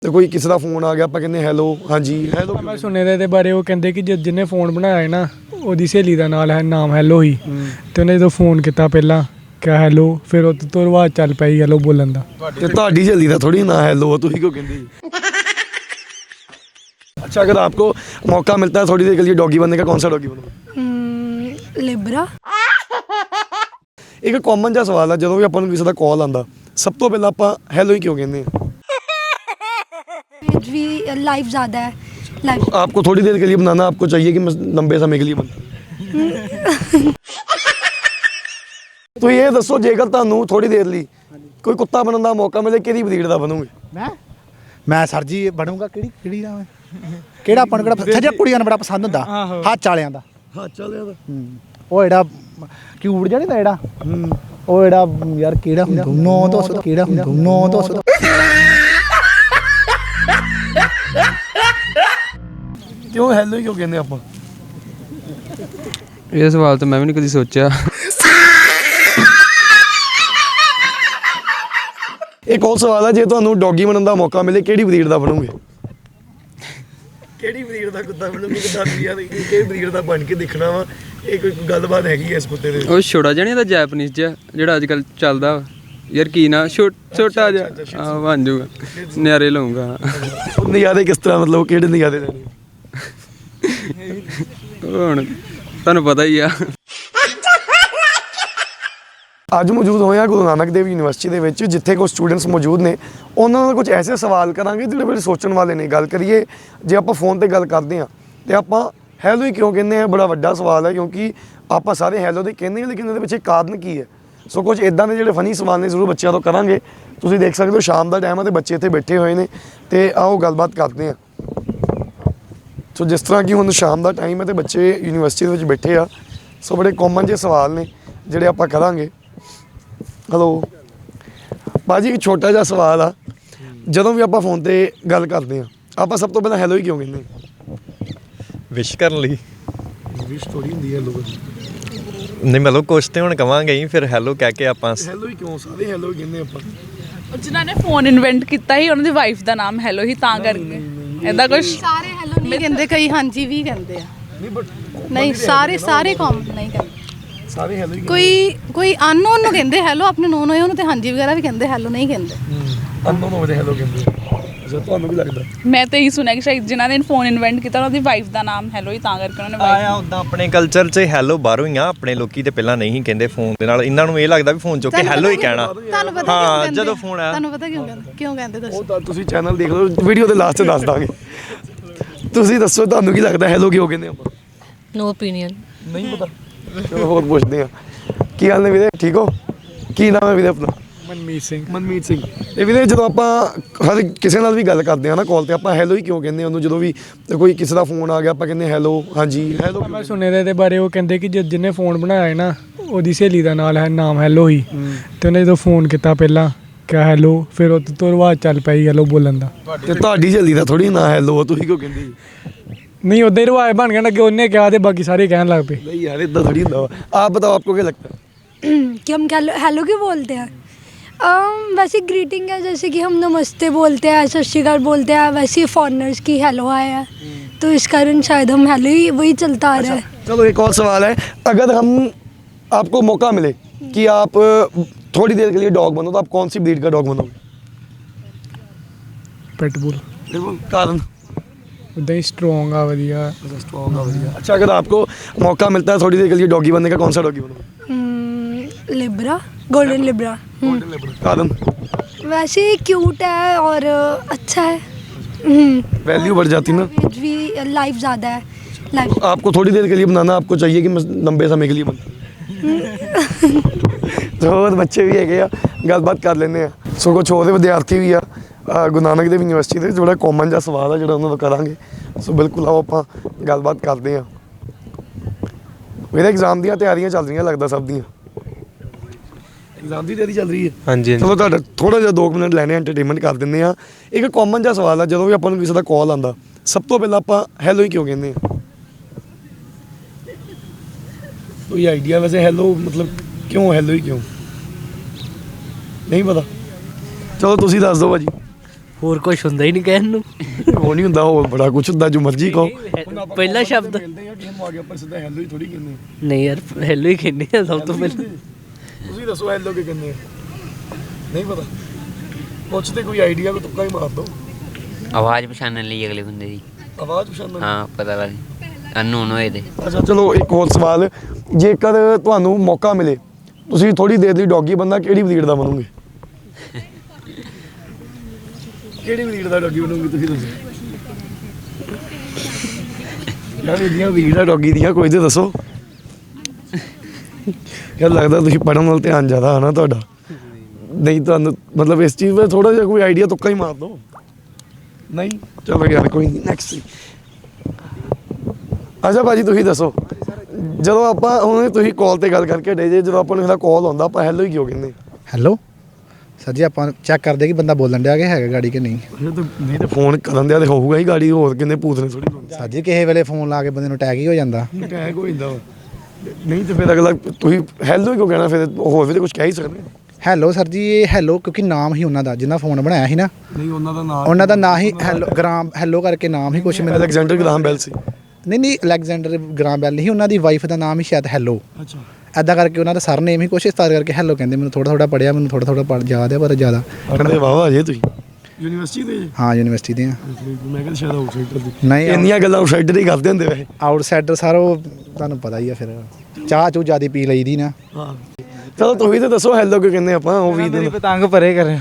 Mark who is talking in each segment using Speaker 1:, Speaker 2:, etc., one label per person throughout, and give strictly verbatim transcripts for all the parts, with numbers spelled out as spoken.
Speaker 1: तो कोई किसी का फोन आ गया आप कहते हैलो हाँ जी हैलो।
Speaker 2: मैं सुने दे बारे वो कहते कि जिन्हें फोन बनाया ना ਉਹਦੀ ਸਹੇਲੀ ਦਾ ਨਾਲ ਹੈ ਨਾਮ ਹੈਲੋ ਹੀ ਤੇ ਉਹਨੇ ਜਦੋਂ ਫੋਨ ਕੀਤਾ ਪਹਿਲਾਂ ਕਿਹਾ ਹੈਲੋ ਫਿਰ ਉਹ ਤੋਂ ਰਿਵਾਜ ਚੱਲ ਪਈ ਹੈਲੋ ਬੋਲਣ ਦਾ।
Speaker 1: ਤੇ ਤੁਹਾਡੀ ਸਹੇਲੀ ਦਾ ਥੋੜੀ ਨਾ ਹੈਲੋ ਤੁਸੀਂ ਕਿਉਂ ਕਹਿੰਦੇ? अच्छा अगर आपको मौका मिलता है थोड़ी देर के लिए डॉगी बनने का कौन सा डॉगी बनोगे?
Speaker 3: लिब्रा।
Speaker 1: एक कॉमन जिहा सवाल है जो भी अपन किसी का कॉल आता सब तो पहले आप हैलो ही क्यों कहते हैं?
Speaker 3: भी लाइफ ज़्यादा है लाइफ।
Speaker 1: आपको थोड़ी देर के लिए बनाना आपको चाहिए कि मैं लंबे समय के लिए बना? तो ये दसो जेकर तुहानू थोड़ी देर ਲਈ कोई कुत्ता बनने का मौका मिले किहड़ी ब्रीड का बनोगे?
Speaker 4: मैं मैं सर जी बनूंगा ਕਿਹੜੀ ਕਿਹੜੀ ਦਾ ਮੈਂ ਕਿਹੜਾ ਆਪਾਂ ਨੂੰ ਕਿਹੜਾ ਸੱਜਾ ਕੁੜੀਆਂ ਨੂੰ ਬੜਾ ਪਸੰਦ ਹੁੰਦਾ ਹੱਥ ਵਾਲਿਆਂ ਦਾ।
Speaker 1: ਹੱਥ ਵਾਲਿਆਂ ਦਾ
Speaker 4: ਉਹ ਜਿਹੜਾ ਕਿਊਟ ਜਿਹਾ ਨਹੀਂ ਦਾ ਜਿਹੜਾ ਉਹ ਜਿਹੜਾ ਯਾਰ ਕਿਹੜਾ ਹੁੰਦਾ ਨੌ ਦੋ ਸੌ ਕਿਹੜਾ ਹੁੰਦਾ ਨੌ ਦੋ ਸੌ
Speaker 1: ਕਿਉਂ ਹੈਲੋ ਹੀ ਕਿਉਂ ਕਹਿੰਦੇ ਆਪਾਂ?
Speaker 5: ਇਹ ਸਵਾਲ ਤਾਂ ਮੈਂ ਵੀ ਨਹੀਂ ਕਦੀ ਸੋਚਿਆ।
Speaker 1: एक और सवाल है जे तुहानू डॉगी बनने का मौका मिले किहड़ी ब्रीड का बनोगे? किहड़ी ब्रीड का कुत्ता बनोगे? किदां ब्रीड दा किहड़ी ब्रीड दा बन के दिखना वा ਇਹ ਕੋਈ ਗੱਲਬਾਤ ਹੈਗੀ ਐ ਇਸ ਕੁੱਤੇ ਦੇ?
Speaker 5: ਉਹ ਛੋਟਾ ਜਿਹਾ ਨਹੀਂ ਦਾ ਜੈਪਨੀਜ਼ ਜਿਹਾ ਜਿਹੜਾ ਅੱਜ ਕੱਲ੍ਹ ਚੱਲਦਾ ਯਾਰ ਕੀ ਨਾ ਛੋਟਾ ਜਿਹਾ ਹਾਂ ਬਣ ਜਾਊਗਾ ਨਿਆਰੇ ਲਾਊਂਗਾ।
Speaker 1: ਨਜ਼ਾਰੇ ਕਿਸ ਤਰ੍ਹਾਂ ਮਤਲਬ ਕਿਹੜੇ ਨਜ਼ਾਰੇ ਲੈਣੇ?
Speaker 5: ਹੁਣ ਤੁਹਾਨੂੰ ਪਤਾ ਹੀ ਆ।
Speaker 1: ਅੱਜ ਮੌਜੂਦ ਹੋਏ ਆ ਗੁਰੂ ਨਾਨਕ ਦੇਵ ਯੂਨੀਵਰਸਿਟੀ ਦੇ ਵਿੱਚ ਜਿੱਥੇ ਕੁਝ ਸਟੂਡੈਂਟਸ ਮੌਜੂਦ ਨੇ ਉਹਨਾਂ ਨਾਲ ਕੁਝ ਐਸੇ ਸਵਾਲ ਕਰਾਂਗੇ ਜਿਹੜੇ ਬੜੇ ਸੋਚਣ ਵਾਲੇ ਨੇ। ਗੱਲ ਕਰੀਏ ਜੇ ਆਪਾਂ ਫੋਨ ਤੇ ਗੱਲ ਕਰਦੇ ਹਾਂ ਤੇ ਆਪਾਂ ਹੈਲੋ ਹੀ ਕਿਉਂ ਕਹਿੰਦੇ ਆ? ਬੜਾ ਵੱਡਾ ਸਵਾਲ ਹੈ ਕਿਉਂਕਿ ਆਪਾਂ ਸਾਰੇ ਹੈਲੋ ਦੇ ਕਹਿੰਦੇ ਹਾਂ ਲੇਕਿਨ ਇਹਦੇ ਪਿੱਛੇ ਕਾਰਨ ਕੀ ਹੈ? ਸੋ ਕੁਝ ਇਦਾਂ ਦੇ ਜਿਹੜੇ ਫਨੀ ਸਵਾਲ ਨੇ ਜ਼ਰੂਰ ਬੱਚਿਆਂ ਤੋਂ ਕਰਾਂਗੇ। ਤੁਸੀਂ ਦੇਖ ਸਕਦੇ ਹੋ ਸ਼ਾਮ ਦਾ ਟਾਈਮ ਹੈ ਤੇ ਬੱਚੇ ਇੱਥੇ ਬੈਠੇ ਹੋਏ ਨੇ ਤੇ ਆਓ ਗੱਲਬਾਤ ਕਰਦੇ ਹਾਂ। ਸੋ ਜਿਸ ਤਰ੍ਹਾਂ ਕਿ ਹੁਣ ਸ਼ਾਮ ਦਾ ਟਾਈਮ ਹੈ ਤੇ ਬੱਚੇ ਯੂਨੀਵਰਸਿਟੀ ਦੇ ਵਿੱਚ ਬੈਠੇ ਆ ਸੋ ਬੜੇ ਕਾਮਨ ਜਿਹੇ ਸਵਾਲ ਨੇ ਜਿਹੜੇ ਆਪਾਂ ਕਰਾਂਗੇ। ਹੈਲੋ ਭਾਜੀ ਇੱਕ ਛੋਟਾ ਜਿਹਾ ਸਵਾਲ ਆ ਜਦੋਂ ਵੀ ਆਪਾਂ ਫੋਨ ਤੇ ਗੱਲ ਕਰਦੇ ਹਾਂ ਆਪਾਂ ਸਭ ਤੋਂ ਪਹਿਲਾਂ ਹੈਲੋ ਹੀ ਕਿਉਂ ਕਹਿੰਦੇ?
Speaker 6: ਵਿਸ਼ ਕਰਨ ਲਈ।
Speaker 1: ਵਿਸ਼ ਥੋੜੀ ਹੁੰਦੀ ਹੈ ਹੈਲੋ
Speaker 6: ਨਹੀਂ ਮਤਲਬ ਕੁਛ ਤੇ ਹੁਣ ਕਵਾਂਗੇ ਹੀ ਫਿਰ ਹੈਲੋ ਕਹਿ ਕੇ ਆਪਾਂ
Speaker 1: ਹੈਲੋ ਹੀ ਕਿਉਂ ਸਾਰੇ ਹੈਲੋ ਹੀ ਕਹਿੰਦੇ ਆਪਾਂ?
Speaker 7: ਜਿਨ੍ਹਾਂ ਨੇ ਫੋਨ ਇਨਵੈਂਟ ਕੀਤਾ ਸੀ ਉਹਨਾਂ ਦੀ ਵਾਈਫ ਦਾ ਨਾਮ ਹੈਲੋ ਹੀ ਤਾਂ ਕਰਕੇ ਐਦਾਂ ਕੁਝ।
Speaker 3: ਸਾਰੇ ਹੈਲੋ ਨਹੀਂ ਕਹਿੰਦੇ ਕਈ ਹਾਂਜੀ ਵੀ ਕਹਿੰਦੇ ਆ
Speaker 1: ਨਹੀਂ ਬਟ
Speaker 3: ਨਹੀਂ ਸਾਰੇ ਸਾਰੇ ਕਾਮਨ ਨਹੀਂ ਕਹਿੰਦੇ
Speaker 1: ਸਾਰੇ ਹੈਲੋ ਹੀ
Speaker 3: ਕੋਈ ਕੋਈ ਅਨਨੋਨ ਨੂੰ ਕਹਿੰਦੇ ਹੈਲੋ ਆਪਣੇ ਨੋਨ ਹੋਏ ਉਹਨੂੰ ਤੇ ਹਾਂਜੀ ਵਗੈਰਾ ਵੀ ਕਹਿੰਦੇ ਹੈਲੋ ਨਹੀਂ ਕਹਿੰਦੇ
Speaker 1: ਅਨਨੋਨ ਹੋਵੇ ਹੈਲੋ ਕਹਿੰਦੇ। ਅੱਛਾ ਤੁਹਾਨੂੰ ਵੀ ਲੱਗਦਾ?
Speaker 7: ਮੈਂ ਤਾਂ ਇਹੀ ਸੁਣਿਆ ਕਿ ਸ਼ਾਇਦ ਜਿਨ੍ਹਾਂ ਨੇ ਫੋਨ ਇਨਵੈਂਟ ਕੀਤਾ ਉਹਨਾਂ ਦੀ ਵਾਈਫ ਦਾ ਨਾਮ ਹੈਲੋ ਹੀ ਤਾਂ ਕਰਕੇ ਉਹਨਾਂ ਨੇ wife-
Speaker 6: ਆਇਆ ਉਦਾਂ ਆਪਣੇ ਕਲਚਰ 'ਚ ਹੈਲੋ ਬਾਹਰੋਂ ਹੀ ਆ ਆਪਣੇ ਲੋਕੀ ਤੇ ਪਹਿਲਾਂ ਨਹੀਂ ਕਹਿੰਦੇ ਫੋਨ ਦੇ ਨਾਲ ਇਹਨਾਂ ਨੂੰ ਇਹ ਲੱਗਦਾ ਵੀ ਫੋਨ ਚੁੱਕ ਕੇ ਹੈਲੋ ਹੀ ਕਹਿਣਾ।
Speaker 3: ਤੁਹਾਨੂੰ ਪਤਾ
Speaker 6: ਹਾਂ,
Speaker 3: ਕਿਉਂ ਕਹਿੰਦੇ
Speaker 6: ਜਦੋਂ phone ਆਇਆ।
Speaker 3: ਤੁਹਾਨੂੰ ਪਤਾ ਕਿਉਂ ਕਹਿੰਦੇ ਕਿਉਂ ਕਹਿੰਦੇ
Speaker 1: ਉਹ
Speaker 3: ਦੱਸੋ?
Speaker 1: ਤਾਂ ਤੁਸੀਂ ਚੈਨਲ ਦੇਖ ਲਓ ਵੀਡੀਓ ਦੇ ਲਾਸਟ 'ਚ ਦੱਸ ਦਾਂਗੇ। ਤੁਸੀਂ ਦੱਸੋ ਤੁਹਾਨੂੰ ਕੀ ਲੱਗਦਾ ਹੈਲੋ ਕਿਉਂ ਕਹਿੰਦੇ ਆਪਾਂ?
Speaker 8: No opinion.
Speaker 1: ਨਹੀਂ ਪਤਾ ਚਲੋ ਹੋਰ ਪੁੱਛਦੇ ਆ। ਕੀ ਹਾਲ ਨੇ ਵੀਰੇ ਠੀਕ ਹੋ? ਕੀ ਨਾਮ ਹੈ ਵੀਰੇ ਆਪਣਾ?
Speaker 2: ਮਨਮੀਤ ਸਿੰਘ।
Speaker 1: ਮਨਮੀਤ ਸਿੰਘ। ਇਹ ਵੀਰੇ ਜਦੋਂ ਆਪਾਂ ਹਰ ਕਿਸੇ ਨਾਲ ਵੀ ਗੱਲ ਕਰਦੇ ਆ ਨਾ ਕਾਲ ਤੇ ਆਪਾਂ ਹੈਲੋ ਹੀ ਕਿਉਂ ਕਹਿੰਦੇ ਉਹਨੂੰ? ਜਦੋਂ ਵੀ ਕੋਈ ਕਿਸੇ ਦਾ ਫੋਨ ਆ ਗਿਆ ਆਪਾਂ ਕਹਿੰਦੇ ਹੈਲੋ ਹਾਂਜੀ ਹੈਲੋ।
Speaker 2: ਮੈਂ ਸੁਣੇ ਦੇ ਬਾਰੇ ਉਹ ਕਹਿੰਦੇ ਕਿ ਜਿੰਨੇ ਫੋਨ ਬਣਾਇਆ ਨਾ ਉਹਦੀ ਸਹੇਲੀ ਦਾ ਨਾਲ ਹੈ ਨਾਮ ਹੈਲੋ ਹੀ ਤੇ ਉਹਨੇ ਜਦੋਂ ਫੋਨ ਕੀਤਾ ਪਹਿਲਾਂ ਕਿਹਾ ਹੈਲੋ ਫਿਰ ਉਹ ਤੋਂ ਰਿਵਾਜ ਚੱਲ ਪਈ ਹੈਲੋ ਬੋਲਣ ਦਾ।
Speaker 1: ਤੇ ਤੁਹਾਡੀ ਸਹੇਲੀ ਦਾ ਥੋੜੀ ਨਾ ਹੈਲੋ ਤੁਸੀਂ ਕਿਉਂ ਕਹਿੰਦੇ?
Speaker 2: नहीं उधर रिवाज बन गया ना कि उन्हें क्या बाकी सारे कहने लग पे।
Speaker 1: नहीं यार इतना थोड़ी होता है। आप बताओ आपको क्या लगता है
Speaker 3: कि हम हेलो हेलो क्यों बोलते हैं? um, वैसे ग्रीटिंग है जैसे कि हम नमस्ते बोलते हैं सत श्री अकाल बोलते हैं वैसे फॉरनर्स की हेलो हाय है तो इस कारण शायद हम हेलो ही वही चलता आ रहा है।
Speaker 1: चलो एक और सवाल है अगर हम आपको मौका मिले कि आप थोड़ी देर के लिए डॉग बनो तो आप कौन सी ब्रीड का डॉग बनोगे?
Speaker 2: पिटबुल।
Speaker 1: कारण
Speaker 2: उदा ही स्ट्रॉन्ग आ वधिया।
Speaker 1: स्ट्रॉन्ग आ वधिया। अच्छा अगर आपको मौका मिलता है थोड़ी देर के लिए डॉगी बनने का कौन सा डॉगी बनोगे?
Speaker 3: लिब्रा गोल्डन लिब्रा।
Speaker 1: कारण
Speaker 3: वैसे क्यूट है और अच्छा है
Speaker 1: वैल्यू बढ़ जाती ना
Speaker 3: भी लाइफ ज़्यादा है लाइफ।
Speaker 1: आपको थोड़ी देर के लिए बनाना आपको चाहिए कि मैं लंबे समय के लिए बना? तो और बच्चे भी है गलबात कर लेने सो कुछ होर विद्यार्थी भी आ गुरु नानक देव यूनिवर्सिटी ਦੇ ਜਿਹੜਾ ਕਾਮਨ ਜਿਹਾ ਸਵਾਲ ਆ ਜਿਹੜਾ ਉਹਨਾਂ ਤੋਂ ਕਰਾਂਗੇ। ਸੋ ਬਿਲਕੁਲ ਆਓ ਆਪਾਂ ਗੱਲਬਾਤ ਕਰਦੇ ਹਾਂ। ਮੇਰੇ ਐਗਜ਼ਾਮ ਦੀਆਂ ਤਿਆਰੀਆਂ ਚੱਲ ਰਹੀਆਂ ਲੱਗਦਾ ਸਭ ਦੀਆਂ। ਐਗਜ਼ਾਮ ਦੀ ਤਿਆਰੀ ਚੱਲ ਰਹੀ ਹੈ?
Speaker 5: ਹਾਂਜੀ।
Speaker 1: ਚਲੋ ਤੁਹਾਡਾ ਥੋੜਾ ਜਿਹਾ ਦੋ ਮਿੰਟ ਲੈਣੇ ਐਂਟਰਟੇਨਮੈਂਟ ਕਰ ਦਿੰਦੇ ਆ। ਇੱਕ ਕਾਮਨ ਜਿਹਾ ਸਵਾਲ ਆ ਜਦੋਂ ਵੀ ਆਪਾਂ ਨੂੰ ਕਿਸੇ ਦਾ ਕਾਲ ਆਉਂਦਾ ਸਭ ਤੋਂ ਪਹਿਲਾਂ ਆਪਾਂ ਹੈਲੋ ਹੀ ਕਿਉਂ ਕਹਿੰਦੇ ਆ? ਕੋਈ ਆਈਡੀਆ ਵੈਸੇ ਹੈਲੋ ਮਤਲਬ ਕਿਉਂ ਹੈਲੋ ਹੀ ਕਿਉਂ? ਨਹੀਂ ਪਤਾ? ਚਲੋ ਤੁਸੀਂ ਦੱਸ ਦਿਓ ਭਾਜੀ।
Speaker 8: ਹੋਰ ਕੁਝ ਹੁੰਦਾ ਹੀ ਨਹੀਂ ਕਹਿਣ ਨੂੰ
Speaker 1: ਉਹ ਨਹੀਂ ਹੁੰਦਾ, ਹੋਰ ਬੜਾ ਕੁਝ ਹੁੰਦਾ ਜੋ ਮਰਜ਼ੀ ਕਹੋ।
Speaker 8: ਪਹਿਲਾ ਸ਼ਬਦ
Speaker 1: ਮਿਲਦੇ ਆ ਟੀਮ ਆ ਗਿਆ ਪਰ ਸਿੱਧਾ ਹੈਲੋ ਹੀ ਥੋੜੀ ਕਹਿੰਦੇ।
Speaker 8: ਨਹੀਂ ਯਾਰ ਹੈਲੋ ਹੀ ਕਹਿੰਦੇ ਆ ਸਭ ਤੋਂ ਪਹਿਲਾਂ।
Speaker 1: ਤੁਸੀਂ ਦੱਸੋ ਹੈਲੋ ਕੀ ਕਹਿੰਦੇ ਆ? ਨਹੀਂ ਪਤਾ, ਪੁੱਛ ਤੇ ਕੋਈ ਆਈਡੀਆ, ਕੋਈ ਤੁੱਕਾ ਹੀ ਮਾਰ ਦੋ।
Speaker 9: ਆਵਾਜ਼ ਪਛਾਣਨ ਲਈ ਅਗਲੇ ਬੰਦੇ ਦੀ।
Speaker 1: ਆਵਾਜ਼ ਪਛਾਣਨ?
Speaker 9: ਹਾਂ ਪਤਾ ਲੱਗ ਅਨਨੋਨ ਹੋਏ ਦੇ।
Speaker 1: ਅੱਛਾ ਚਲੋ ਇੱਕ ਹੋਰ ਸਵਾਲ, ਜੇਕਰ ਤੁਹਾਨੂੰ ਮੌਕਾ ਮਿਲੇ ਤੁਸੀਂ ਥੋੜੀ ਦੇਰ ਲਈ ਡੌਗੀ ਬੰਦਾ ਕਿਹੜੀ ਬਰੀਡ ਦਾ ਬਣੋਗੇ? ਕਿਹੜੀ ਬਰੀਡ ਦਾ ਡੌਗੀ ਬਣੋਗੇ ਤੁਸੀਂ ਦੱਸੋ? ਯਾਰ ਇਹਦੀਆਂ ਬਰੀਡਾਂ ਡੌਗੀ ਦੀਆਂ ਕੋਈ ਤੇ ਦੱਸੋ। ਯਾਰ ਲੱਗਦਾ ਤੁਸੀਂ ਪੜ੍ਹਨ ਵੱਲ ਧਿਆਨ ਜ਼ਿਆਦਾ ਹੈ ਨਾ ਤੁਹਾਡਾ, ਨਹੀਂ ਤੁਹਾਨੂੰ ਮਤਲਬ ਇਸ ਚੀਜ਼ 'ਤੇ ਥੋੜਾ ਜਿਹਾ ਕੋਈ ਆਈਡੀਆ ਤੁੱਕਾ ਹੀ ਮਾਰ ਦਿਓ। ਨਹੀਂ ਚਲੋ ਯਾਰ ਕੋਈ ਨਹੀਂ, ਨੈਕਸਟ। ਅੱਛਾ ਭਾਜੀ ਤੁਸੀਂ ਦੱਸੋ, ਜਦੋਂ ਆਪਾਂ ਹੁਣ ਤੁਸੀਂ ਕਾਲ ਤੇ ਗੱਲ ਕਰਕੇ ਡੇ ਜੇ ਜਦੋਂ ਆਪਾਂ ਨੂੰ ਇਹਦਾ ਕਾਲ ਆਉਂਦਾ ਆਪਾਂ ਹੈਲੋ ਹੀ ਕਿਉਂ ਕਹਿੰਦੇ?
Speaker 4: ਹੈਲੋ ਸਰ ਜੀ, ਆਪਾਂ ਚੈੱਕ ਕਰਦੇ ਕਿ ਬੰਦਾ ਬੋਲਣ ਡਿਆ ਕਿ ਹੈਗਾ ਗਾੜੀ ਕਿ ਨਹੀਂ।
Speaker 1: ਨਹੀਂ ਤੇ ਫੋਨ ਕਰਨ ਦਿਆ ਤੇ ਹੋਊਗਾ ਹੀ ਗਾੜੀ, ਹੋਰ ਕਿੰਨੇ ਭੂਤ ਨੇ ਥੋੜੀ।
Speaker 4: ਸਰ ਜੀ ਕਿਸੇ ਵੇਲੇ ਫੋਨ ਲਾ ਕੇ ਬੰਦੇ ਨੂੰ ਅਟੈਕ ਹੀ ਹੋ ਜਾਂਦਾ।
Speaker 1: ਅਟੈਕ ਹੋ ਜਾਂਦਾ ਵਾ। ਨਹੀਂ ਤੇ ਫਿਰ ਅਗਲਾ ਤੁਸੀਂ ਹੈਲੋ ਹੀ ਕਿਉਂ ਕਹਿਣਾ, ਫਿਰ ਹੋਰ ਵੀ ਤਾਂ ਕੁਝ ਕਹਿ ਹੀ ਸਕਦੇ।
Speaker 4: ਹੈਲੋ ਸਰ ਜੀ, ਇਹ ਹੈਲੋ ਕਿਉਂਕਿ ਨਾਮ ਹੀ ਉਹਨਾਂ ਦਾ ਜਿੰਨਾ ਫੋਨ ਬਣਾਇਆ ਸੀ ਨਾ,
Speaker 1: ਨਹੀਂ ਉਹਨਾਂ ਦਾ ਨਾਮ
Speaker 4: ਉਹਨਾਂ ਦਾ ਨਾਂ ਹੀ ਹੈਲੋ ਗ੍ਰਾਮ ਹੈਲੋ ਕਰਕੇ ਨਾਮ ਹੀ ਕੁਛ ਮੈਨੂੰ।
Speaker 1: ਅਲੈਗਜ਼ੈਂਡਰ ਗ੍ਰਾਹਮ ਬੈਲ ਸੀ।
Speaker 4: ਨਹੀਂ ਨਹੀਂ ਅਲੈਗਜ਼ੈਂਡਰ ਗ੍ਰਾਮ ਬੈਲ ਨਹੀਂ, ਉਹਨਾਂ ਦੀ ਵਾਈਫ ਦਾ ਨਾਮ ਹੀ ਸ਼ਾਇਦ ਹੈਲੋ।
Speaker 1: ਅੱਛਾ
Speaker 4: ਐਦਾਂ ਕਰਕੇ ਉਹਨਾਂ ਦਾ ਸਰ ਨੇਮ ਹੀ ਕੁਛ ਇਸ ਤਰ੍ਹਾਂ ਕਰਕੇ ਹੈਲੋ ਕਹਿੰਦੇ। ਮੈਨੂੰ ਥੋੜਾ ਥੋੜਾ ਪੜਿਆ, ਮੈਨੂੰ ਥੋੜਾ ਥੋੜਾ ਪੜ ਯਾਦ ਹੈ ਪਰ ਜ਼ਿਆਦਾ।
Speaker 1: ਪੜ੍ਹਦੇ ਵਾਵਾ ਜੇ ਤੁਸੀਂ ਯੂਨੀਵਰਸਿਟੀ ਦੇ?
Speaker 4: ਹਾਂ ਯੂਨੀਵਰਸਿਟੀ ਦੇ ਆ।
Speaker 1: ਮੈਂ ਕਿਹਾ ਸ਼ਾਇਦ ਆਊਟਸਾਈਡਰ ਦੀ।
Speaker 4: ਨਹੀਂ
Speaker 1: ਇੰਨੀਆਂ ਗੱਲਾਂ ਆਊਟਸਾਈਡਰ ਹੀ ਕਰਦੇ ਹੁੰਦੇ ਵੈਸੇ।
Speaker 4: ਆਊਟਸਾਈਡਰ ਸਰ ਉਹ ਤੁਹਾਨੂੰ ਪਤਾ ਹੀ ਆ, ਫਿਰ ਚਾਹ ਚੂ ਜ਼ਿਆਦਾ ਪੀ ਲਈਦੀ ਨਾ।
Speaker 1: ਹਾਂ ਚਲੋ ਤੁਸੀਂ ਤਾਂ ਦੱਸੋ ਹੈਲੋ ਕਿਉਂ ਕਹਿੰਦੇ ਆਪਾਂ? ਉਹ ਵੀ ਦਿਨ
Speaker 2: ਪਤੰਗ ਪਰੇ ਕਰੇ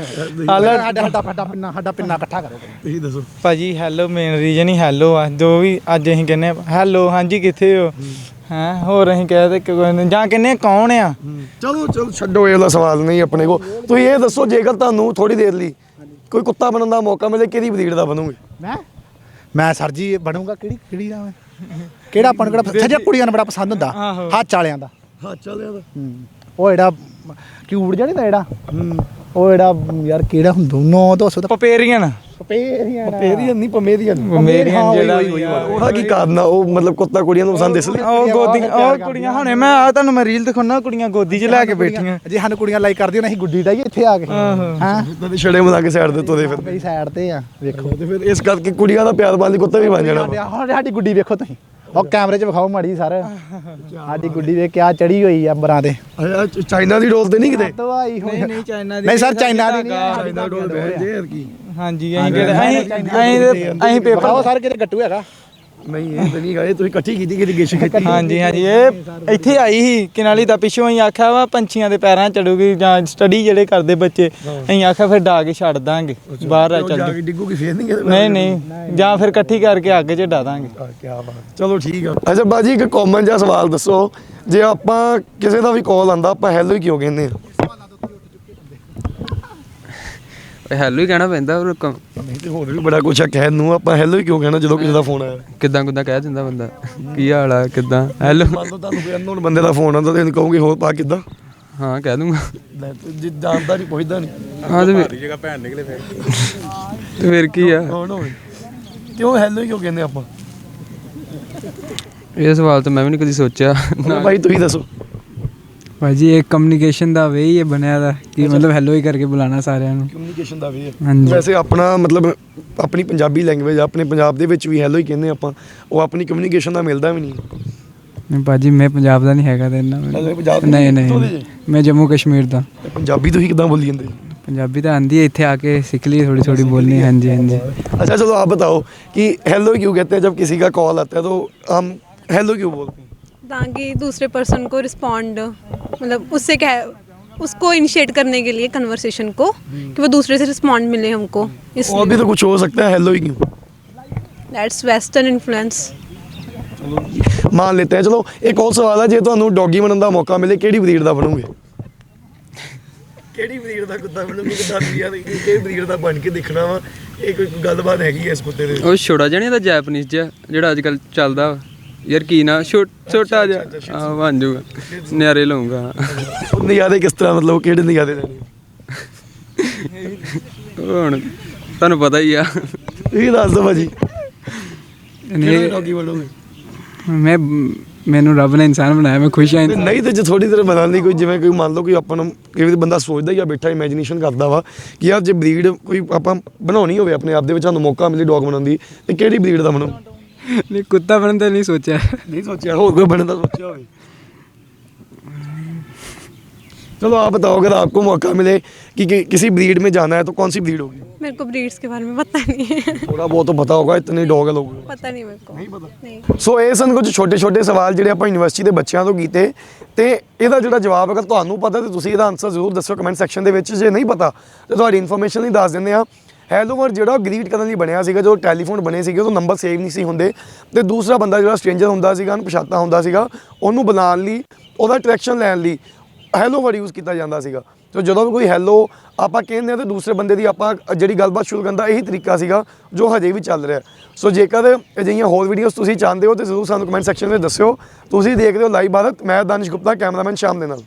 Speaker 4: ਸਾਡਾ ਸਾਡਾ ਸਾਡਾ ਪਿੰਨਾ ਸਾਡਾ ਪਿੰਨਾ ਇਕੱਠਾ ਕਰੋ।
Speaker 1: ਤੁਸੀਂ ਦੱਸੋ
Speaker 2: ਭਾਜੀ ਹੈਲੋ ਮੇਨ ਰੀਜਨ ਹੀ ਹੈਲੋ ਆ, ਜੋ ਵੀ ਅੱਜ ਅਸੀਂ ਕਹਿੰਦੇ ਹੈਲੋ ਹਾਂਜੀ ਕਿੱਥੇ ਹੋ ਹੈਂ, ਹੋਰ ਅਸੀਂ ਕਹਿ ਤੇ ਜਾਂ ਕਹਿੰਦੇ ਕੌਣ ਆ।
Speaker 1: ਚਲੋ ਚਲੋ ਛੱਡੋ ਇਹ ਵਾਲਾ ਸਵਾਲ ਨਹੀਂ ਆਪਣੇ ਕੋਲ। ਤੁਸੀਂ ਇਹ ਦੱਸੋ ਜੇਕਰ ਤੁਹਾਨੂੰ ਥੋੜੀ ਦੇਰ ਲਈ ਕੋਈ ਕੁੱਤਾ ਬਣਨ ਦਾ ਮੌਕਾ ਮਿਲੇ ਕਿਹੜੀ ਬਰੀਡ ਦਾ ਬਣੋਗੇ?
Speaker 4: ਮੈਂ ਮੈਂ ਸਰ ਜੀ ਬਣੂਗਾ ਕਿਹੜੀ ਕਿਹੜੀ ਦਾ ਮੈਂ ਕਿਹੜਾ ਆਪਾਂ ਨੂੰ ਕਿਹੜਾ ਸੱਜਾ ਕੁੜੀਆਂ ਨੂੰ ਬੜਾ ਪਸੰਦ ਹੁੰਦਾ ਹੱਥ ਵਾਲਿਆਂ ਦਾ।
Speaker 1: ਹੱਥ ਵਾਲਿਆਂ ਦਾ?
Speaker 4: ਉਹ ਜਿਹੜਾ ਕਿਊਟ ਜਿਹਾ ਨਹੀਂ ਦਾ ਜਿਹੜਾ ਉਹ ਜਿਹੜਾ ਯਾਰ ਕਿਹੜਾ ਹੁੰਦਾ ਨੌ ਦੋ ਸੌ ਦਾ
Speaker 2: ਪਪੇਰੀਅਨ
Speaker 4: ਪਪੇਰੀਅਨ
Speaker 1: ਪਪੇਰੀਅਨ ਨਹੀਂ ਪਮੇਰੀਅਨ।
Speaker 2: ਪਮੇਰੀਅਨ ਜਿਹੜਾ
Speaker 1: ਉਹਦਾ ਕੀ ਕਾਰਨ ਆ? ਉਹ ਮਤਲਬ ਕੁੱਤਾ ਕੁੜੀਆਂ ਨੂੰ ਪਸੰਦ ਇਸ ਲਈ?
Speaker 2: ਉਹ ਗੋਦੀ ਉਹ ਕੁੜੀਆਂ ਹੁਣੇ ਮੈਂ ਆ ਤੁਹਾਨੂੰ ਮੈਂ ਰੀਲ ਦਿਖਾਉਣਾ, ਕੁੜੀਆਂ ਗੋਦੀ 'ਚ ਲੈ ਕੇ ਬੈਠੀਆਂ।
Speaker 4: ਜੇ ਸਾਨੂੰ ਕੁੜੀਆਂ ਲਾਈਕ ਕਰਦੀਆਂ ਨੇ ਅਸੀਂ ਗੁੱਡੀ ਡਾਈਏ ਇੱਥੇ ਆ ਕੇ। ਹਾਂ
Speaker 1: ਤੇ ਛੜੇ ਮਲਾ ਕੇ ਸਾਈਡ ਦੇ ਤੋਦੇ ਫਿਰ
Speaker 4: ਮੇਰੀ ਸਾਈਡ ਤੇ ਆ ਵੇਖੋ।
Speaker 1: ਤੇ ਫਿਰ ਇਸ ਕਰਕੇ ਕੁੜੀਆਂ ਦਾ ਪਿਆਰ ਵਾਲੀ ਕੁੱਤਾ ਵੀ ਬਣ ਜਾਣਾ।
Speaker 4: ਹੁਣ ਸਾਡੀ ਗੁੱਡੀ ਵੇਖੋ ਤੁਸੀਂ, ਉਹ ਕੈਮਰੇ 'ਚ ਵਿਖਾਓ ਮਾੜੀ ਸਰ ਸਾਡੀ ਗੁੱਡੀ ਵੇ ਕਿਆ ਚੜੀ ਹੋਈ ਆ ਅੰਬਰਾਂ ਤੇ।
Speaker 1: ਚਾਈਨਾ ਦੀ ਡੋਲ ਤੇ ਨਹੀਂ ਕਿਤੇ?
Speaker 4: ਦਵਾਈ ਹੋਈ
Speaker 2: ਨਹੀਂ ਚਾਈਨਾ ਦੀ
Speaker 4: ਨਹੀਂ ਸਰ ਚਾਈਨਾ ਦੀ ਨਹੀਂ।
Speaker 1: ਚਾਈਨਾ ਡੋਲ ਬੈਠ ਜੇ ਯਾਰ ਕੀ।
Speaker 2: ਹਾਂਜੀ ਅਸੀਂ ਕਿਹੜੇ ਅਸੀਂ ਅਸੀਂ ਅਸੀਂ ਪੇਪਰ
Speaker 4: ਉਹ ਸਰ ਕਿਤੇ ਗੱਟੂ ਹੈਗਾ।
Speaker 1: ਨਹੀਂ ਇਹ ਤਾਂ ਨਹੀਂ ਗਾ, ਇਹ ਤੁਸੀਂ ਇਕੱਠੀ ਕੀਤੀ ਕਿਤੇ ਗਿਸ਼ ਕੀਤੀ?
Speaker 2: ਹਾਂਜੀ ਹਾਂਜੀ ਇਹ ਇੱਥੇ ਆਈ ਸੀ ਕਿਨਾਲੀ ਦਾ ਪਿੱਛੋਂ ਅਸੀਂ ਆਖਿਆ ਵਾ ਪੰਛੀਆਂ ਦੇ ਪੈਰਾਂ ਚੜੂਗੀ ਜਾਂ ਸਟੱਡੀ ਜਿਹੜੇ ਕਰਦੇ ਬੱਚੇ, ਅਸੀਂ ਆਖਿਆ ਫਿਰ ਡਾ ਕੇ ਛੱਡ ਦਾਂਗੇ ਬਾਹਰ ਆ ਚੱਲ
Speaker 1: ਜਾ ਕੇ ਡਿੱਗੂਗੀ ਫੇਰ ਨਹੀਂ?
Speaker 2: ਨਹੀਂ ਨਹੀਂ ਜਾਂ ਫਿਰ ਇਕੱਠੀ ਕਰਕੇ ਅੱਗ 'ਚ ਡਾ ਦਾਂਗੇ।
Speaker 1: ਕੀ ਬਾਤ, ਚਲੋ ਠੀਕ ਆ। ਅੱਛਾ ਬਾਜੀ ਇੱਕ ਕਾਮਨ ਜਿਹਾ ਸਵਾਲ ਦੱਸੋ, ਜੇ ਆਪਾਂ ਕਿਸੇ ਦਾ ਵੀ ਕਾਲ ਆਂਦਾ ਆਪਾਂ ਹੈਲੋ ਹੀ ਕਿਉਂ ਕਹਿੰਦੇ ਆ?
Speaker 5: ਹੈਲੋ ਹੀ ਕਹਿਣਾ ਪੈਂਦਾ ਹੋਰ ਕ-
Speaker 1: ਨਹੀਂ ਤੇ ਹੋਰ ਵੀ ਬੜਾ ਕੁਛ ਆ ਕਹਿਣ ਨੂੰ, ਆਪਾਂ ਹੈਲੋ ਹੀ ਕਿਉਂ ਕਹਿਣਾ ਜਦੋਂ ਕਿਸੇ ਦਾ ਫੋਨ ਆਇਆ?
Speaker 5: ਕਿੱਦਾਂ ਕਿੱਦਾਂ ਕਹਿ ਦਿੰਦਾ ਬੰਦਾ, ਕੀ ਹਾਲ ਆ ਕਿੱਦਾਂ ਹੈਲੋ।
Speaker 1: ਮੰਨ ਲਓ ਤੁਹਾਨੂੰ ਕੋਈ ਅਨਨੋਨ ਬੰਦੇ ਦਾ ਫੋਨ ਆਉਂਦਾ ਤੇ ਇਹਨੂੰ ਕਹੋਗੇ ਹੋਰ ਪਾ ਕਿੱਦਾਂ?
Speaker 5: ਹਾਂ ਕਹਿ ਦੂੰਗਾ।
Speaker 1: ਲੈ ਤੂੰ ਜੇ ਜਾਣਦਾ ਨਹੀਂ ਪੁੱਛਦਾ ਨਹੀਂ।
Speaker 5: ਹਾਂ ਤੇ ਫਿਰ ਜਗ੍ਹਾ ਭੈਣ ਨਿਕਲੇ ਫਿਰ ਤੇ ਫਿਰ ਕੀ ਆ?
Speaker 1: ਕੌਣ ਹੋਵੇ ਕਿਉਂ ਹੈਲੋ ਹੀ ਕਿਉਂ ਕਹਿੰਦੇ ਆਪਾਂ?
Speaker 5: ਇਹ ਸਵਾਲ ਤਾਂ ਮੈਂ ਵੀ ਨਹੀਂ ਕਦੀ ਸੋਚਿਆ।
Speaker 1: ਭਾਈ ਤੁਸੀਂ ਦੱਸੋ।
Speaker 2: ਭਾਜੀ ਇਹ ਕਮਿਊਨੀਕੇਸ਼ਨ ਦਾ ਵੇ ਹੀ ਇਹ ਬਣਿਆ ਦਾ ਕਿ ਮਤਲਬ ਹੈਲੋ ਹੀ ਕਰਕੇ ਬੁਲਾਣਾ ਸਾਰਿਆਂ ਨੂੰ।
Speaker 1: ਕਮਿਊਨੀਕੇਸ਼ਨ ਦਾ ਵੀ ਹੈ
Speaker 2: ਹਾਂਜੀ।
Speaker 1: ਵੈਸੇ ਆਪਣਾ ਮਤਲਬ ਆਪਣੀ ਪੰਜਾਬੀ ਲੈਂਗੁਏਜ ਆਪਣੇ ਪੰਜਾਬ ਦੇ ਵਿੱਚ ਵੀ ਹੈਲੋ ਹੀ ਕਹਿੰਦੇ ਆਪਾਂ, ਉਹ ਆਪਣੀ ਕਮਿਊਨੀਕੇਸ਼ਨ ਦਾ ਮਿਲਦਾ ਵੀ ਨਹੀਂ।
Speaker 2: ਨਹੀਂ ਭਾਜੀ ਮੈਂ ਪੰਜਾਬ ਦਾ ਨਹੀਂ ਹੈਗਾ ਤੇ ਇੰਨਾ
Speaker 1: ਅੱਛਾ, ਪੰਜਾਬ ਦੇ
Speaker 2: ਨਹੀਂ
Speaker 1: ਕਿੱਥੋਂ ਦੇ
Speaker 2: ਨਹੀਂ
Speaker 1: ਜੇ?
Speaker 2: ਮੈਂ ਜੰਮੂ ਕਸ਼ਮੀਰ ਦਾ।
Speaker 1: ਤੇ ਪੰਜਾਬੀ ਤੁਸੀਂ ਕਿੱਦਾਂ ਬੋਲੀ ਜਾਂਦੇ?
Speaker 2: ਪੰਜਾਬੀ ਤਾਂ ਆਂਦੀ है, ਇੱਥੇ आके सीख ली थोड़ी थोड़ी बोलनी। हाँ जी हाँ जी।
Speaker 1: अच्छा चलो आप बताओ कि हेलो क्यों कहते हैं जब किसी का कॉल आता है तो हम हेलो क्यों बोलते हैं?
Speaker 10: ताकि दूसरे पर्सन को रिस्पॉन्ड मतलब उससे क्या है उसको इनिशिएट करने के लिए कन्वर्सेशन को कि वो दूसरे से रिस्पॉन्ड मिले हमको,
Speaker 1: और भी
Speaker 10: इसलिए
Speaker 1: तो कुछ हो सकता है, हेलो ही क्यों?
Speaker 10: That's western influence.
Speaker 1: मान लेते हैं। चलो एक और सवाल है, जे ਤੁਹਾਨੂੰ ਡੌਗੀ ਬਣਨ ਦਾ ਮੌਕਾ ਮਿਲੇ ਕਿਹੜੀ ਬਰੀਡ ਦਾ ਬਣੋਗੇ? ਕਿਹੜੀ ਬਰੀਡ ਦਾ ਕੁੱਤਾ ਬਣੋਗੇ? ਕਿਦਾਂ ਬਰੀਡ ਦਾ ਕਿਹੜੀ ਬਰੀਡ ਦਾ ਬਣ ਕੇ ਦੇਖਣਾ ਵਾ, ਇਹ ਕੋਈ ਗੱਲਬਾਤ ਹੈਗੀ ਐ ਇਸ ਕੁੱਤੇ ਦੇ?
Speaker 5: ਉਹ ਛੋਟਾ ਜਿਹਾ ਨੀ ਹੁੰਦਾ ਜੈਪਨੀਜ਼ ਜਿਹਾ ਜਿਹੜਾ ਅੱਜ ਕੱਲ੍ਹ ਚੱਲਦਾ ਵਾ ਯਾਰ, ਕੀ ਨਾ ਛੋਟਾ ਜਿਹਾ ਹਾਂ ਬਣ ਜਾਊਗਾ, ਨਿਆਰੇ ਲਊਂਗਾ।
Speaker 1: ਉਹ ਨਜ਼ਾਰੇ ਕਿਸ ਤਰ੍ਹਾਂ, ਮਤਲਬ ਕਿਹੜੇ ਨਜ਼ਾਰੇ ਲੈਣੇ?
Speaker 5: ਹੁਣ ਤੁਹਾਨੂੰ ਪਤਾ ਹੀ ਆ।
Speaker 1: ਤੁਸੀਂ ਦੱਸ ਦਿਓ ਭਾਜੀ ਕਿਹੜਾ ਡੌਗੀ ਬਣੋਗੇ?
Speaker 2: मैं
Speaker 5: ਮੈਨੂੰ ਰੱਬ ਨੇ ਇਨਸਾਨ ਬਣਾਇਆ, ਮੈਂ ਖੁਸ਼ ਹਾਂ।
Speaker 1: ਤੇ ਨਹੀਂ ਤੇ ਜੇ ਥੋੜੀ ਦੇਰ ਬਣਾਉਣ ਲਈ ਕੋਈ ਜਿਵੇਂ ਕੋਈ ਮੰਨ ਲਓ ਕੋਈ ਆਪਾਂ ਨੂੰ ਕਈ ਵਾਰੀ ਬੰਦਾ ਸੋਚਦਾ ਜਾਂ ਬੈਠਾ ਇਮੇਜਿਨੇਸ਼ਨ ਕਰਦਾ ਵਾ ਕਿ ਯਾਰ ਜੇ ਬਰੀਡ ਕੋਈ ਆਪਾਂ ਬਣਾਉਣੀ ਹੋਵੇ ਆਪਣੇ ਆਪ ਦੇ ਵਿੱਚ ਸਾਨੂੰ ਮੌਕਾ ਮਿਲੇ ਡੌਗ ਬਣਾਉਣ ਦੀ ਤੇ ਕਿਹੜੀ ਬਰੀਡ ਦਾ ਬਣੋ?
Speaker 5: ਨਹੀਂ, ਕੁੱਤਾ ਬਣਨ ਦਾ ਨਹੀਂ ਸੋਚਿਆ।
Speaker 1: नहीं सोचा, और कोई बनने का सोचा हो? चलो आप बताओ, अगर आपको मौका मिले कि, कि किसी ब्रीड में जाना है तो कौन सी ब्रीड होगी?
Speaker 10: मेरे को ब्रीड्स के बारे में पता नहीं है।
Speaker 1: थोड़ा बहुत तो पता होगा, इतने डॉग है लोगों को।
Speaker 10: पता नहीं मेरे को।
Speaker 1: नहीं पता।
Speaker 10: नहीं।
Speaker 1: ਸੋ ਇਹ ਸਨ ਕੁਝ ਛੋਟੇ ਛੋਟੇ ਸਵਾਲ ਜਿਹੜੇ ਆਪਾਂ ਯੂਨੀਵਰਸਿਟੀ ਦੇ ਬੱਚਿਆਂ ਤੋਂ ਕੀਤੇ ਤੇ ਇਹਦਾ ਜਿਹੜਾ ਜਵਾਬ ਅਗਰ ਤੁਹਾਨੂੰ ਪਤਾ ਤੇ ਤੁਸੀਂ ਇਹਦਾ ਆਨਸਰ ਜ਼ਰੂਰ ਦੱਸਿਓ ਕਮੈਂਟ ਸੈਕਸ਼ਨ ਦੇ ਵਿੱਚ। ਜੇ ਨਹੀਂ ਪਤਾ ਤੇ ਤੁਹਾਡੀ ਇਨਫੋਰਮੇਸ਼ਨ ਲਈ ਦੱਸ ਦਿੰਦੇ ਆ। ਹੈਲੋ ਵਰਡ ਜਿਹੜਾ ਗ੍ਰੀਟ ਕਰਨ ਲਈ ਬਣਿਆ ਸੀਗਾ, ਜੋ ਟੈਲੀਫੋਨ ਬਣੇ ਸੀਗੇ ਉਹ ਨੰਬਰ ਸੇਵ ਨਹੀਂ ਸੀ ਹੁੰਦੇ ਤੇ ਦੂਸਰਾ ਬੰਦਾ ਜਿਹੜਾ ਸਟ੍ਰੇਂਜਰ ਹੁੰਦਾ ਸੀਗਾ, ਅਣਪਛਾਤਾ ਹੁੰਦਾ ਸੀਗਾ, ਉਹਨੂੰ ਬੁਲਾਉਣ ਲਈ, ਉਹਦਾ ਅਟਰੈਕਸ਼ਨ ਲੈਣ ਲਈ ਹੈਲੋ ਵਰਡ ਯੂਜ਼ ਕੀਤਾ ਜਾਂਦਾ ਸੀਗਾ। ਤੇ ਜਦੋਂ ਵੀ ਕੋਈ ਹੈਲੋ ਆਪਾਂ ਕਹਿੰਦੇ ਆ ਤੇ ਦੂਸਰੇ ਬੰਦੇ ਦੀ ਆਪਾਂ ਜਿਹੜੀ ਗੱਲਬਾਤ ਸ਼ੁਰੂ ਕਰਨ ਦਾ ਇਹੀ ਤਰੀਕਾ ਸੀਗਾ ਜੋ ਹਜੇ ਵੀ ਚੱਲ ਰਿਹਾ। ਸੋ ਜੇਕਰ ਅਜਿਹੀਆਂ ਹੋਰ ਵੀਡੀਓਜ਼ ਤੁਸੀਂ ਚਾਹੁੰਦੇ ਹੋ ਤੇ ਜ਼ਰੂਰ ਸਾਨੂੰ ਕਮੈਂਟ ਸੈਕਸ਼ਨ ਵਿੱਚ ਦੱਸਿਓ। ਤੁਸੀਂ ਦੇਖਦੇ ਹੋ ਲਾਈਵ ਭਾਰਤ, ਮੈਂ ਦਾਨਿਸ਼ ਗੁਪਤਾ, ਕੈਮਰਾਮੈਨ ਸ਼ਾਮ ਦੇ ਨਾਲ।